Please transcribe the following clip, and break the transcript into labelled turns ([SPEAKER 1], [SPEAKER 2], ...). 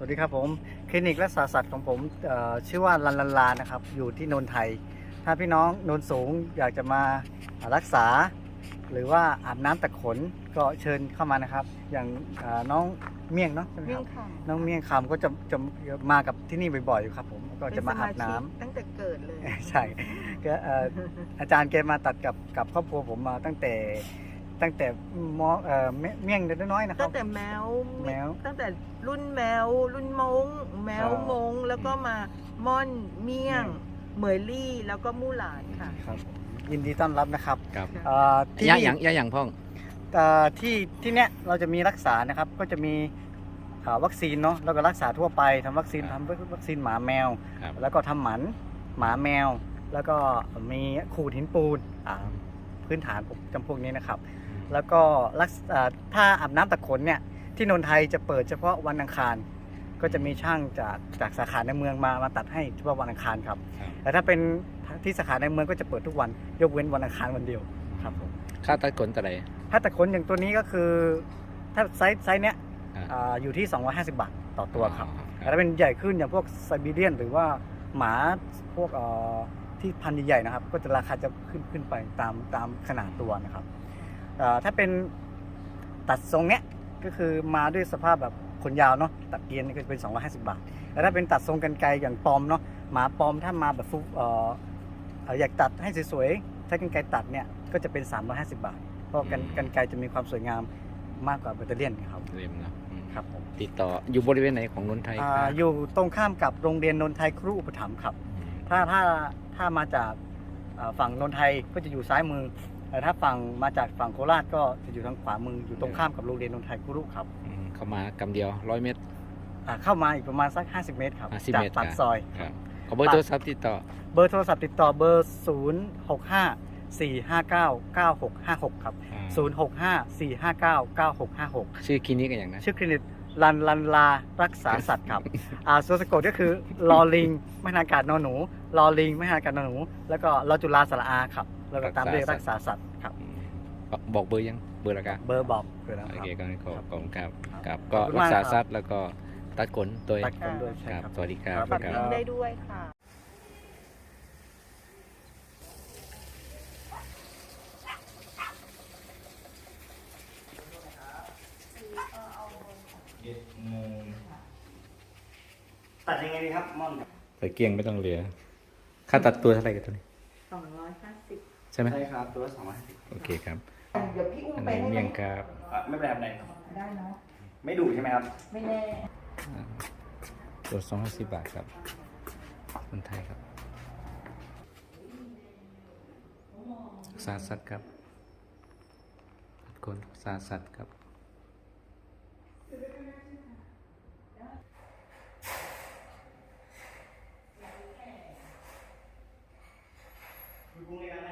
[SPEAKER 1] วัสดีครับผมคลินิกรักษาสัตว์ของผมชื่อว่าลันลันลานะครับอยู่ที่นนไทยถ้าพี่น้องนนสูงอยากจะมารักษาหรือว่าอาบน้ำตะขนก็เชิญเข้ามานะครับอย่างน้องเมี่ยงเนาะใช่ไหมครับน้องเมี่ยงคำก็จะมากับที่นี่บ่อยๆอยู่ครับผมก็จะมาอาบน้ำ
[SPEAKER 2] ตั้งแต่เกิดเลย
[SPEAKER 1] ใช่ก็อาจารย์แกมาตัดกับครอบครัวผมมาตั้งแต่มเมี่ยงน้อยๆนะครับ
[SPEAKER 2] ตั้งแต่แมวตั้งแต่รุ่นแมวรุ่นมงแมวมงแล้วก็มาม่อนเมี่ยงเหมยลี่แล้วก็มู่หลานค่ะ
[SPEAKER 1] ครับยินดีต้อนรับนะครับ
[SPEAKER 3] ครับ
[SPEAKER 1] ที่
[SPEAKER 3] อย่างพ่อง
[SPEAKER 1] ที่เนี้ยเราจะมีรักษานะครับก็จะมีวัคซีนเนาะแล้วก็รักษาทั่วไปทำวัคซีนหมาแมวแล้วก็ทำหมันหมาแมวแล้วก็มีขูดหินปูนพื้นฐานจำพวกนี้นะครับแล้วก็ถ้าอาบน้ำตะขนเนี่ยที่นนทไทยจะเปิดเฉพาะวันอังคารก็จะมีช่างจากสาขาในเมืองมาตัดให้เฉพาะวันอังคารครับแต่ถ้าเป็นที่สาขาในเมืองก็จะเปิดทุกวันยกเว้นวันอังคารวันเดียวครับผม
[SPEAKER 3] ค่าตัดขนแต่ไหน
[SPEAKER 1] ถ้าตะขนอย่างตัวนี้ก็คือถ้าไซส์เนี้ยอยู่ที่250 บาทต่อตัวครับแต่ถ้าเป็นใหญ่ขึ้นอย่างพวกไซบีเรียนหรือว่าหมาพวกที่พันธุ์ใหญ่ๆนะครับก็จะราคาจะขึ้นไปตามขนาดตัวนะครับถ้าเป็นตัดทรงเนี้ยก็คือมาด้วยสภาพแบบขนยาวเนาะตัดเกรียนก็จะเป็น250 บาทแต่ถ้าเป็นตัดทรงกรรไกรอย่างปอมเนาะหมาปอมถ้ามาแบบอยากตัดให้สวยๆใช้กรรไกรตัดเนี่ยก็จะเป็น350 บาทเพราะกรรไกรจะมีความสวยงามมากกว่าแบตเตอรี่ครับ
[SPEAKER 3] เรียมนะครับ
[SPEAKER 1] ผม
[SPEAKER 3] ติดต่ออยู่บริเวณไหนของนนทไทย
[SPEAKER 1] อยู่ตรงข้ามกับโรงเรียนนนทไทยครูอุปถัมภ์ครับถ้ามาจากฝั่งนนทไทยก็จะอยู่ซ้ายมือแต่ถ้ามาจากฝั่งโคราชก็จะอยู่ทางขวามืออยู่ตรงข้ามกับโรงเรียนนนทไทยครูครับ
[SPEAKER 3] เข้ามากำเดียว100 เมตร
[SPEAKER 1] เข้ามาอีกประมาณสัก50 เมตรครับจากปากซอย
[SPEAKER 3] ขอเบอร์โทรศัพท์ติดต่อ
[SPEAKER 1] เบอร์โทรศัพท์ติดต่อเบอร์065-459-9656ครับ065-459-9656
[SPEAKER 3] ชื่อคลินิกกันอย่างนั้น
[SPEAKER 1] ชื่อคลินิกลันลารักษาสัตว์ครับส่วนสะกดก็คือลอลิงไม่ทางการนอหนูลอลิงไม่ทางการนอหนูแล้วก็ลอจุฬาสระอาครับแล้วก็ตามด้วยรักษาสัตว์ครับ
[SPEAKER 3] บอกเบอร์ยังเบอร์ละกัน
[SPEAKER 1] เบอร์บอกเลยนะ
[SPEAKER 3] โอเคก็ขอบคุณครับก็รักษาสัตว์แล้วก็ตัดขนตัวครับสวัสดีครับ
[SPEAKER 2] ตัดทิ้งได้ด้วยค่ะ
[SPEAKER 1] ตัดยังไงดีครับม่อน
[SPEAKER 3] ใส่เกียงไม่ต้องเหลือค่าตัดตัวเท่าไหร่กันตัวนี้
[SPEAKER 2] 250
[SPEAKER 3] ใช่ไหม
[SPEAKER 1] ใช่ครับตัว250
[SPEAKER 3] โอเคครับ
[SPEAKER 2] เดี๋ยวพี่อุ้มไปให้
[SPEAKER 3] เมี่ยงครับ
[SPEAKER 1] ไม่เป็นไรครับ
[SPEAKER 2] ได้เนาะ
[SPEAKER 1] ไม่ดุใช่ไหมครับ
[SPEAKER 2] ไม่แน่
[SPEAKER 3] ตัว250 บาทครับคนไทยครับสาสัตว์ครับคนสาสัตว์ครับ
[SPEAKER 1] คุณกุ้งเลยนะ